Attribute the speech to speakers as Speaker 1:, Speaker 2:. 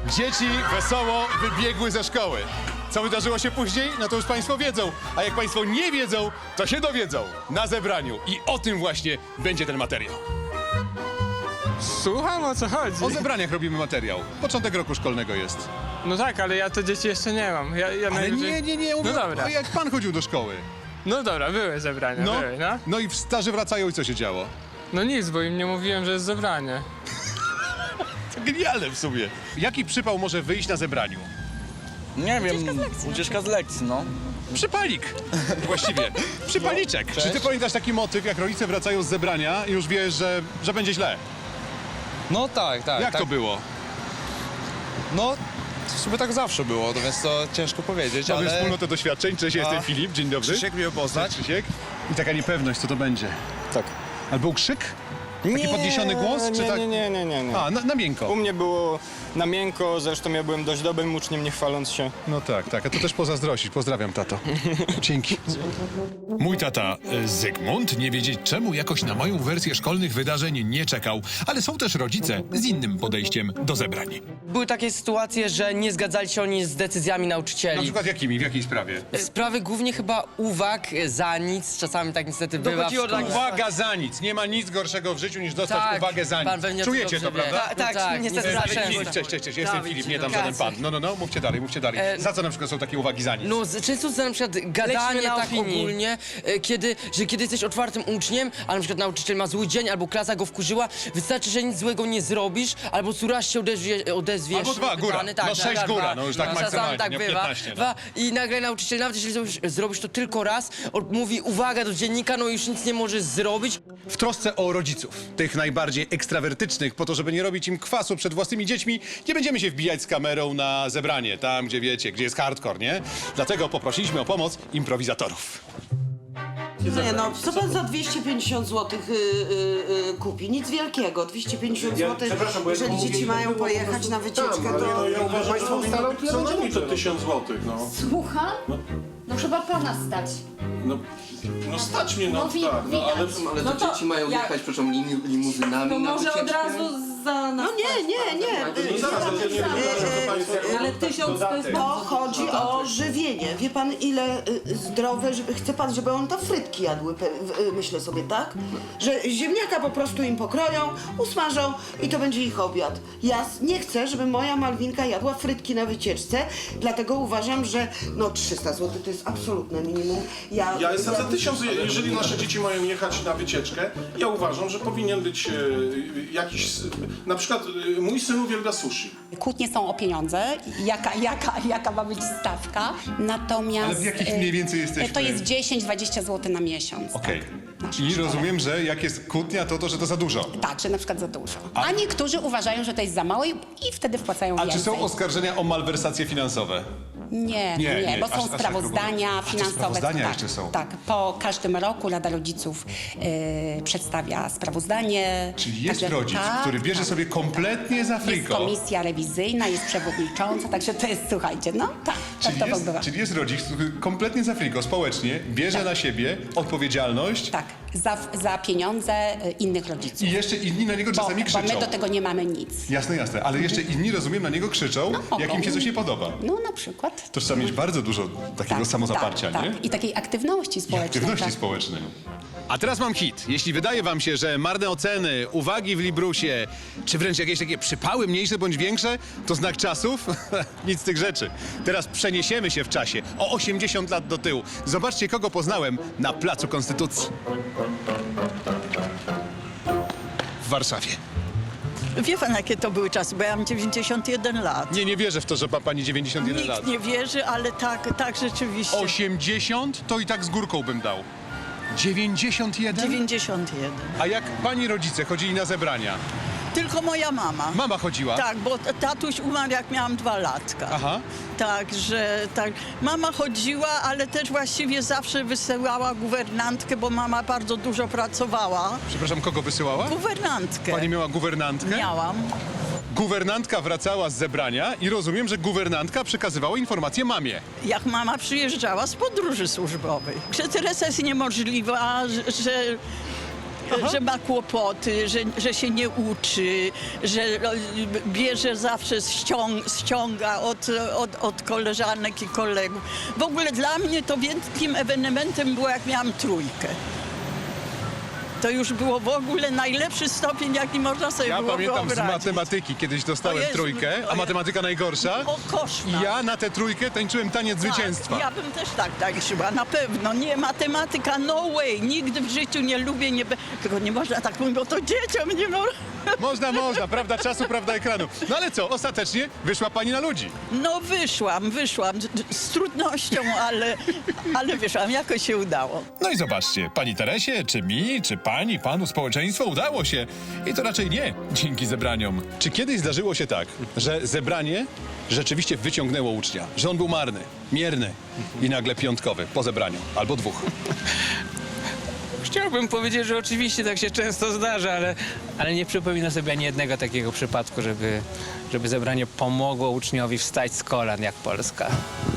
Speaker 1: Dzieci wesoło wybiegły ze szkoły. Co wydarzyło się później? No to już państwo wiedzą. A jak państwo nie wiedzą, to się dowiedzą na zebraniu. I o tym właśnie będzie ten materiał.
Speaker 2: Słucham, o co chodzi?
Speaker 1: O zebraniach robimy materiał. Początek roku szkolnego jest.
Speaker 2: No tak, ale ja to dzieci jeszcze nie mam. Ja
Speaker 1: Ale
Speaker 2: najwyżej-
Speaker 1: nie, mówię,
Speaker 2: No dobra.
Speaker 1: o jak pan chodził do szkoły.
Speaker 2: No dobra, były zebrania, były, no.
Speaker 1: No i starzy wracają i co się działo?
Speaker 2: No nic, bo im nie mówiłem, że jest zebranie.
Speaker 1: To genialne w sumie. Jaki przypał może wyjść na zebraniu?
Speaker 3: Nie wiem, ucieczka z lekcji, no.
Speaker 1: Przypalik. Właściwie. Przypaliczek. Czy ty pamiętasz taki motyw, jak rodzice wracają z zebrania i już wiesz, że będzie źle?
Speaker 4: No tak.
Speaker 1: Jak
Speaker 4: tak.
Speaker 1: to było?
Speaker 4: No, w sumie tak zawsze było, to więc to ciężko powiedzieć,
Speaker 1: Mamy
Speaker 4: ale...
Speaker 1: wspólnotę doświadczeń. Cześć, jestem Filip. Dzień dobry.
Speaker 4: Krzysiek miło poznać.
Speaker 1: Cześć, Krzysiek. I taka niepewność, co to będzie.
Speaker 3: Tak.
Speaker 1: Ale był krzyk? Taki podniesiony głos? Czy tak?
Speaker 5: Nie.
Speaker 1: A, na miękko.
Speaker 5: U mnie było na miękko, zresztą ja byłem dość dobrym uczniem, nie chwaląc się.
Speaker 1: No tak. A to też pozazdrościć. Pozdrawiam, tato. Dzięki.
Speaker 6: Mój tata Zygmunt nie wiedzieć czemu jakoś na moją wersję szkolnych wydarzeń nie czekał, ale są też rodzice z innym podejściem do zebrań.
Speaker 7: Były takie sytuacje, że nie zgadzali się oni z decyzjami
Speaker 1: Na
Speaker 7: nauczycieli.
Speaker 1: przykład jakimi? W jakiej sprawie?
Speaker 7: Sprawy głównie chyba uwag za nic, czasami tak niestety bywa w Dochodziło do szkole.
Speaker 1: Uwaga za nic. Nie ma nic gorszego w życiu niż dostać
Speaker 7: Tak,
Speaker 1: uwagę za
Speaker 7: pan
Speaker 1: nic.
Speaker 7: pewnie
Speaker 1: Czujecie to,
Speaker 7: dobrze wie.
Speaker 1: prawda?
Speaker 7: Tak, niestety
Speaker 1: Filip,
Speaker 7: zawsze.
Speaker 1: cześć, jestem
Speaker 7: Dawid,
Speaker 1: Filip, nie tam
Speaker 7: edukacja.
Speaker 1: żaden pan. No, mówcie dalej. Za co na przykład są takie uwagi za nic?
Speaker 7: No, często za na przykład gadanie
Speaker 8: na
Speaker 7: tak
Speaker 8: opinii.
Speaker 7: ogólnie, kiedy jesteś otwartym uczniem, a na przykład nauczyciel ma zły dzień, albo klasa go wkurzyła, wystarczy, że nic złego nie zrobisz, albo tu raz się odezwiesz.
Speaker 1: Albo dwa, góra.
Speaker 7: pytany, tak,
Speaker 1: No, 6
Speaker 7: tak,
Speaker 1: góra,
Speaker 7: dwa.
Speaker 1: no już tak
Speaker 7: Czasami
Speaker 1: maksymalnie,
Speaker 7: tak
Speaker 1: nie?
Speaker 7: bywa.
Speaker 1: 15, no.
Speaker 7: Dwa. I nagle nauczyciel, nawet jeśli zrobisz to tylko raz, mówi uwaga do dziennika, no już nic nie możesz zrobić.
Speaker 1: W trosce o rodziców, tych najbardziej ekstrawertycznych, po to, żeby nie robić im kwasu przed własnymi dziećmi, nie będziemy się wbijać z kamerą na zebranie, tam gdzie wiecie, gdzie jest hardcore, nie? Dlatego poprosiliśmy o pomoc improwizatorów.
Speaker 9: Nie no, co pan za 250 zł kupi? Nic wielkiego, 250 zł, jeżeli dzieci mają pojechać na wycieczkę, to...
Speaker 10: Ja uważam,
Speaker 1: Państwo
Speaker 10: że
Speaker 1: ustalą,
Speaker 10: co najmniej to 1000 zł, no.
Speaker 8: Słucham? No chyba pana stać.
Speaker 10: No stać mnie, no
Speaker 8: No
Speaker 10: tak, no ale...
Speaker 9: Ale to dzieci mają jechać,
Speaker 3: proszę, limuzynami
Speaker 8: To może od razu za nas.
Speaker 9: No nie.
Speaker 10: No zaraz, ale ja nie wydarzę, to państwo...
Speaker 8: Ale 1000 to jest...
Speaker 9: To chodzi o żywienie. Wie pan, ile zdrowe, chce pan, żeby on tam frytki jadły, myślę sobie, tak? Że ziemniaka po prostu im pokroją, usmażą i to będzie ich obiad. Ja nie chcę, żeby moja Malwinka jadła frytki na wycieczce, dlatego uważam, że no 300 zł to jest absolutne minimum.
Speaker 10: Ja jestem za 1000, jeżeli nasze dzieci mają jechać na wycieczkę, ja uważam, że powinien być jakiś... Na przykład mój syn uwielbia sushi.
Speaker 11: Kłótnie są o pieniądze, jaka ma być stawka, natomiast...
Speaker 1: Ale w jakich mniej więcej jesteśmy?
Speaker 11: To jest 10-20 zł na miesiąc.
Speaker 1: Okej.
Speaker 11: Tak,
Speaker 1: Czyli rozumiem, że jak jest kłótnia, to że to za dużo.
Speaker 11: Tak, że na przykład za dużo. A niektórzy uważają, że to jest za mało i wtedy wpłacają
Speaker 1: A
Speaker 11: więcej.
Speaker 1: czy są oskarżenia o malwersacje finansowe?
Speaker 11: Nie, bo
Speaker 1: aż
Speaker 11: są
Speaker 1: tak
Speaker 11: sprawozdania
Speaker 1: grubo. A, to
Speaker 11: finansowe.
Speaker 1: sprawozdania
Speaker 11: tak,
Speaker 1: jeszcze są.
Speaker 11: Tak, po każdym roku Rada Rodziców przedstawia sprawozdanie.
Speaker 1: Czyli jest
Speaker 11: Także-
Speaker 1: rodzic,
Speaker 11: tak,
Speaker 1: który bierze sobie kompletnie za
Speaker 11: Jest
Speaker 1: friko.
Speaker 11: komisja rewizyjna, jest przewodnicząca, także to jest, słuchajcie, no tak, tak to bywa.
Speaker 1: Czyli jest rodzic, który kompletnie za friko, społecznie, bierze na siebie odpowiedzialność
Speaker 11: Tak, za pieniądze innych rodziców.
Speaker 1: i jeszcze inni na niego czasami
Speaker 11: Bo
Speaker 1: krzyczą.
Speaker 11: my do tego nie mamy nic.
Speaker 1: Jasne, ale jeszcze inni, rozumiem, na niego krzyczą,
Speaker 11: mogą.
Speaker 1: jak im się coś nie podoba.
Speaker 11: No na przykład.
Speaker 1: To trzeba mieć bardzo dużo takiego samozaparcia, nie?
Speaker 11: Tak. I takiej aktywności społecznej.
Speaker 1: Aktywności
Speaker 11: tak.
Speaker 1: społecznej. A teraz mam hit. Jeśli wydaje wam się, że marne oceny, uwagi w Librusie, czy wręcz jakieś takie przypały mniejsze bądź większe, to znak czasów? Nic z tych rzeczy. Teraz przeniesiemy się w czasie o 80 lat do tyłu. Zobaczcie, kogo poznałem na Placu Konstytucji. W Warszawie.
Speaker 9: Wie pan, jakie to były czasy, bo ja mam 91 lat.
Speaker 1: Nie wierzę w to, że ma pani 91 lat.
Speaker 9: Nikt nie wierzy, ale tak rzeczywiście.
Speaker 1: 80 to i tak z górką bym dał. 91?
Speaker 9: 91.
Speaker 1: A jak pani rodzice chodzili na zebrania?
Speaker 9: Tylko moja mama.
Speaker 1: Mama chodziła?
Speaker 9: Tak, bo tatuś umarł jak miałam 2 latka.
Speaker 1: Aha.
Speaker 9: Także tak. Mama chodziła, ale też właściwie zawsze wysyłała guwernantkę, bo mama bardzo dużo pracowała.
Speaker 1: Przepraszam, kogo wysyłała?
Speaker 9: Guwernantkę.
Speaker 1: Pani miała guwernantkę?
Speaker 9: Miałam.
Speaker 1: Guwernantka wracała z zebrania i rozumiem, że guwernantka przekazywała informacje mamie.
Speaker 9: Jak mama przyjeżdżała z podróży służbowej. Że Teresa jest niemożliwa, że
Speaker 12: że ma kłopoty, że się nie uczy, że bierze zawsze ściąga od koleżanek i kolegów. W ogóle dla mnie to wielkim ewenementem było, jak miałam trójkę. To już było w ogóle najlepszy stopień, jaki można sobie
Speaker 1: Ja
Speaker 12: było
Speaker 1: pamiętam z
Speaker 12: wyobrazić.
Speaker 1: matematyki, kiedyś dostałem
Speaker 12: O Jezu,
Speaker 1: trójkę,
Speaker 12: o
Speaker 1: a
Speaker 12: Jezu.
Speaker 1: matematyka najgorsza.
Speaker 12: O, koszmar.
Speaker 1: Ja na tę trójkę tańczyłem taniec zwycięstwa.
Speaker 12: Ja bym też tak tańczyła, na pewno. Nie, matematyka, no way. Nigdy w życiu nie lubię, tylko nie można tak mówić, bo to dzieciom nie można.
Speaker 1: Można, prawda czasu, prawda ekranu. No ale co, ostatecznie wyszła pani na ludzi.
Speaker 12: No wyszłam z trudnością, ale wyszłam, jakoś się udało.
Speaker 6: No i zobaczcie, pani Teresie, czy mi, czy pani, panu społeczeństwo udało się. I to raczej nie dzięki zebraniom.
Speaker 1: Czy kiedyś zdarzyło się tak, że zebranie rzeczywiście wyciągnęło ucznia, że on był marny, mierny i nagle piątkowy po zebraniu, albo dwóch?
Speaker 2: Chciałbym powiedzieć, że oczywiście tak się często zdarza, ale nie przypominam sobie ani jednego takiego przypadku, żeby zebranie pomogło uczniowi wstać z kolan jak Polska.